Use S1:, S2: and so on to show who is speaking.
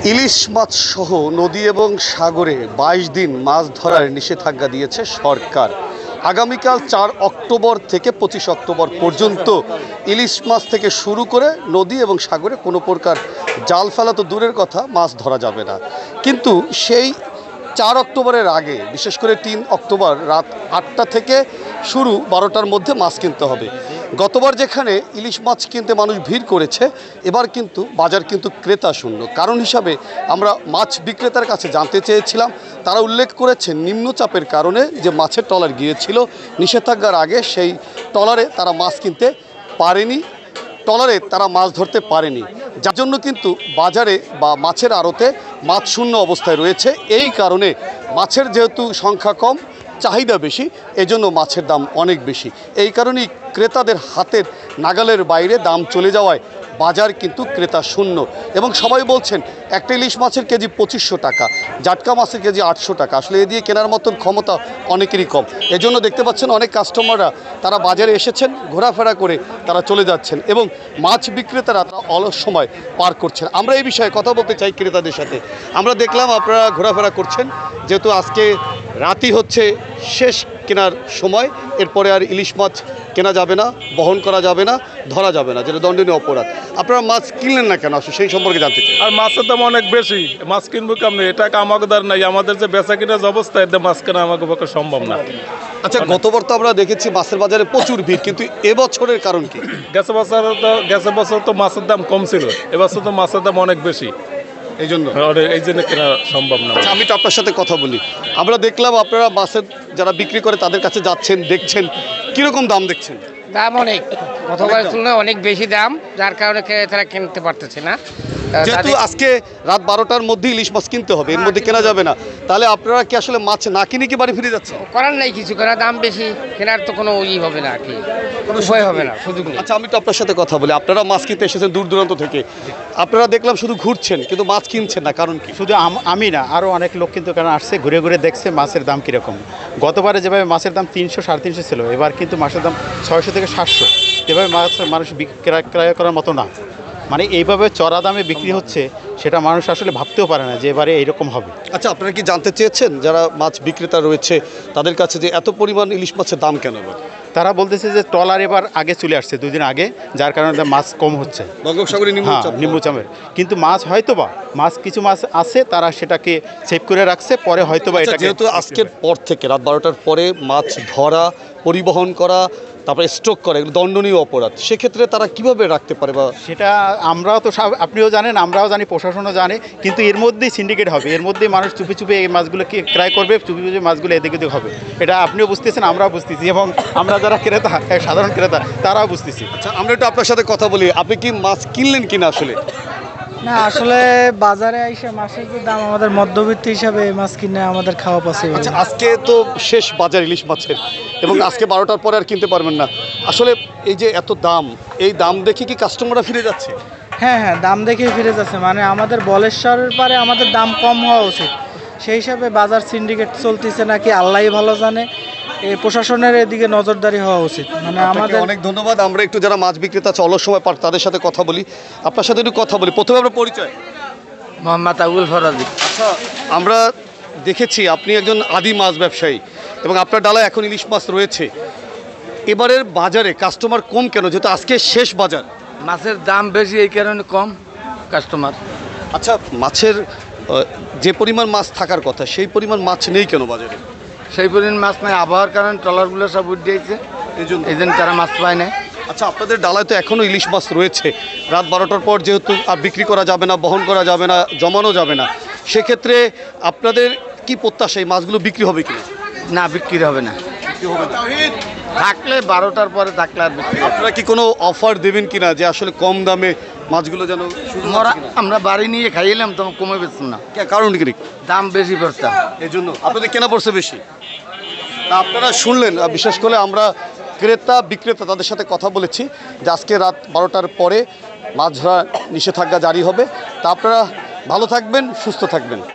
S1: ইলিশ মাছ সহ নদী এবং সাগরে ২২ দিন মাছ ধরার নিষেধাজ্ঞা দিয়েছে সরকার। আগামীকাল ৪ অক্টোবর থেকে ২৫ অক্টোবর পর্যন্ত ইলিশ মাছ থেকে শুরু করে নদী এবং সাগরে কোনো প্রকার জাল ফেলা তো দূরের কথা, মাছ ধরা যাবে না। কিন্তু সেই ৪ অক্টোবরের আগে, বিশেষ করে ৩ অক্টোবর রাত ৮টা থেকে শুরু ১২টার মধ্যে মাছ কিনতে হবে। গতবার যেখানে ইলিশ মাছ কিনতে মানুষ ভিড় করেছে, এবার কিন্তু বাজার কিন্তু ক্রেতা শূন্য। কারণ হিসাবে আমরা মাছ বিক্রেতার কাছে জানতে চেয়েছিলাম, তারা উল্লেখ করেছে নিম্নচাপের কারণে যে মাছের ট্রলার গিয়েছিল নিষেধাজ্ঞার আগে, সেই ট্রলারে তারা মাছ কিনতে পারেনি, ট্রলারে তারা মাছ ধরতে পারেনি, যার জন্য কিন্তু বাজারে বা মাছের আড়তে মাছ শূন্য অবস্থায় রয়েছে। এই কারণে মাছের যেহেতু সংখ্যা কম, চাহিদা বেশি, এজন্য মাছের দাম অনেক বেশি। এই কারণেই ক্রেতাদের হাতের নাগালের বাইরে দাম চলে যাওয়ায় বাজার কিন্তু ক্রেতা শূন্য। এবং সবাই বলছেন একটা ইলিশ মাছের কেজি ২৫০০ টাকা, জাটকা মাছের কেজি ৮০০ টাকা। আসলে এ দিয়ে কেনার মতন ক্ষমতা অনেকেরই কম। এজন্য দেখতে পাচ্ছেন অনেক কাস্টমাররা তারা বাজারে এসেছেন, ঘোরাফেরা করে তারা চলে যাচ্ছেন এবং মাছ বিক্রেতারা তারা অলস সময় পার করছেন। আমরা এই বিষয়ে কথা বলতে চাই ক্রেতাদের সাথে। আমরা দেখলাম আপনারা ঘোরাফেরা করছেন, যেহেতু আজকে রাতই হচ্ছে শেষ কেনার সময়, এরপরে আর ইলিশ মাছ কেনা যাবে না, বহন করা যাবে না, ধরা যাবে না, যেটা দণ্ডনীয় অপরাধ। আপনারা মাছ কিনলেন না কেন, আসলে সেই সম্পর্কে জানতে চাই।
S2: আর মাছের দাম অনেক বেশি, মাছ কিনবো কেমনি? এটা আমাকে দার নাই, আমাদের যে বেচা কিনার যে অবস্থা, এতে মাছ কেনা আমাকে পক্ষে সম্ভব না।
S1: আচ্ছা, গতবার তো আমরা দেখেছি মাছের বাজারে প্রচুর ভিড়, কিন্তু এবছরের কারণ কি?
S2: গেছে বছর তো মাছের দাম কম ছিল, এবছর তো মাছের দাম অনেক বেশি,
S1: এই জন্য
S2: কেনা সম্ভব না।
S1: আচ্ছা, আমি তো আপনার সাথে কথা বলি। আমরা দেখলাম আপনারা মাছের যারা বিক্রি করে তাদের কাছে যাচ্ছেন, দেখছেন কিরকম দাম দেখছেন?
S3: দাম অনেক, গতবারের তুলনায় অনেক বেশি দাম, যার কারণে তারা কিনতে পারতেছে না।
S1: যেহেতু আজকে রাত ১২টার মধ্যে ইলিশ মাছ কিনতে হবে, এর মধ্যে কেনা যাবে না, তাহলে আপনারা কি আসলে মাছ না কিনে কি বাড়ি ফিরে যাচ্ছেন?
S3: করার নাই কিছু, কারণ দাম বেশি, কেনার তো কোনো হবে না, আর কি কোনো উপায় হবে না, সুযোগ নেই।
S1: আচ্ছা, আমি তো আপনার সাথে কথা বলি। আপনারা মাছ কিনতে এসেছেন দূর দূরান্ত থেকে, আপনারা দেখলাম শুধু ঘুরছেন কিন্তু মাছ কিনছেন না, কারণ কি?
S4: শুধু আমি না, আরও অনেক লোক কিন্তু কারণ আসছে, ঘুরে ঘুরে দেখছে মাছের দাম কীরকম। গতবারে যেভাবে মাছের দাম ৩০০ ৩৫০ ছিল, এবার কিন্তু মাছের দাম ৬০০ থেকে ৭০০। এভাবে মানুষ ক্রয় করার মতো না, মানে এইভাবে চড়া দামে বিক্রি হচ্ছে, সেটা মানুষ আসলে ভাবতেও পারে না যে এবারে এইরকম হবে।
S1: আচ্ছা, আপনারা কি জানতে চেয়েছেন যারা মাছ বিক্রেতা রয়েছে তাদের কাছে যে এত পরিমাণ ইলিশ মাছের দাম কেন?
S4: তারা বলতেছে যে ট্রলার এবার আগে চলে আসছে 2 দিন আগে, যার কারণে মাছ কম হচ্ছে
S1: বঙ্গোপসাগরে
S4: নিম্নচাপের। কিন্তু মাছ হয়তোবা কিছু মাছ আছে, তারা সেটাকে সেভ করে রাখছে, পরে হয়তোবা এটা।
S1: যেহেতু আজকের পর থেকে রাত ১২টার পরে মাছ ধরা, পরিবহন করা, তারপরে স্টক করা, এগুলো দণ্ডনীয় অপরাধ। সেক্ষেত্রে তারা কিভাবে রাখতে পারে? বা
S4: সেটা আমরাও তো আপনিও জানেন, আমরাও জানি, প্রশাসনও জানে, কিন্তু এর মধ্যেই সিন্ডিকেট হবে, এর মধ্যেই মানুষ চুপি চুপি এই মাছগুলোকে ক্রয় করবে, চুপি চুপি মাছগুলো এদিকে ওদিকে হবে। এটা আপনিও বুঝতেছেন, আমরাও বুঝতেছি, এবং আমরা যারা ক্রেতা, সাধারণ ক্রেতা, তারাও বুঝতেছি।
S1: আচ্ছা, আমরা একটু আপনার সাথে কথা বলি। আপনি কি মাছ কিনলেন কিনা? আসলে
S5: না, আসলে বাজারে এসে মাছের যে দাম, আমাদের মধ্যবিত্ত হিসাবে মাছ কিনে আমাদের খাওয়া পসিবল।
S1: আচ্ছা, আজকে তো শেষ বাজার ইলিশ মাছের, এবং আজকে 12টার পরে আর কিনতে পারবেন না। আসলে এই যে এত দাম, এই দাম দেখে কি কাস্টমাররা ফিরে যাচ্ছে?
S5: হ্যাঁ, দাম দেখেই ফিরে যাচ্ছে। মানে আমাদের বলেশ্বরের পারে আমাদের দাম কম হওয়া উচিত, সেই হিসাবে বাজার সিন্ডিকেট চলতেছে নাকি আল্লাহই ভালো জানে। এই প্রশাসনের এদিকে নজরদারি হওয়া উচিত। মানে আমাদের
S1: অনেক ধন্যবাদ। আমরা একটু যারা মাছ বিক্রেতা আছে, অলস সময় পার, তাদের সাথে কথা বলি। আপনার সাথে একটু কথা বলি। প্রথমে আমরা পরিচয়।
S3: মোহাম্মদ আবুল ফরাজি।
S1: আচ্ছা, আমরা দেখেছি আপনি একজন আদি মাছ ব্যবসায়ী এবং আপনার ডালায় এখন ইলিশ মাছ রয়েছে। এবারের বাজারে কাস্টমার কম কেন, যেহেতু আজকে শেষ বাজার?
S3: মাছের দাম বেশি, এই কারণে কম কাস্টমার।
S1: আচ্ছা, মাছের যে পরিমাণ মাছ থাকার কথা, সেই পরিমাণ মাছ নেই কেন বাজারে?
S3: সেই পরিমাণ মাছ নাই, আবহাওয়ার কারণে ট্রলারগুলো সব উঠে দিয়েছে, এই জন্য তারা মাছ পায় না।
S1: আচ্ছা, আপনাদের ডালায় তো এখনও ইলিশ মাছ রয়েছে। রাত 12টার পর যেহেতু আর বিক্রি করা যাবে না, বহন করা যাবে না, জমানো যাবে না, সেক্ষেত্রে আপনাদের কি প্রত্যাশা, এই মাছগুলো বিক্রি হবে কিনা?
S3: না, বিক্রি হবে না। থাকলে 12টার পরে থাকলে আর বিক্রি।
S1: আপনারা কি কোনো অফার দেবেন কিনা যে আসলে কম দামে মাছগুলো যেন?
S3: আমরা বাড়ি নিয়ে খাইলাম তো কমে বেচুন না,
S1: কারণ কি?
S3: দাম বেশি পড়ছে,
S1: এই জন্য আপনাদের কেনা পড়ছে বেশি। তা আপনারা শুনলেন, বিশেষ করে আমরা ক্রেতা বিক্রেতা তাদের সাথে কথা বলেছি যে আজকে রাত 12টার পরে মাছ ধরা নিষেধাজ্ঞা জারি হবে। তা আপনারা ভালো থাকবেন, সুস্থ থাকবেন।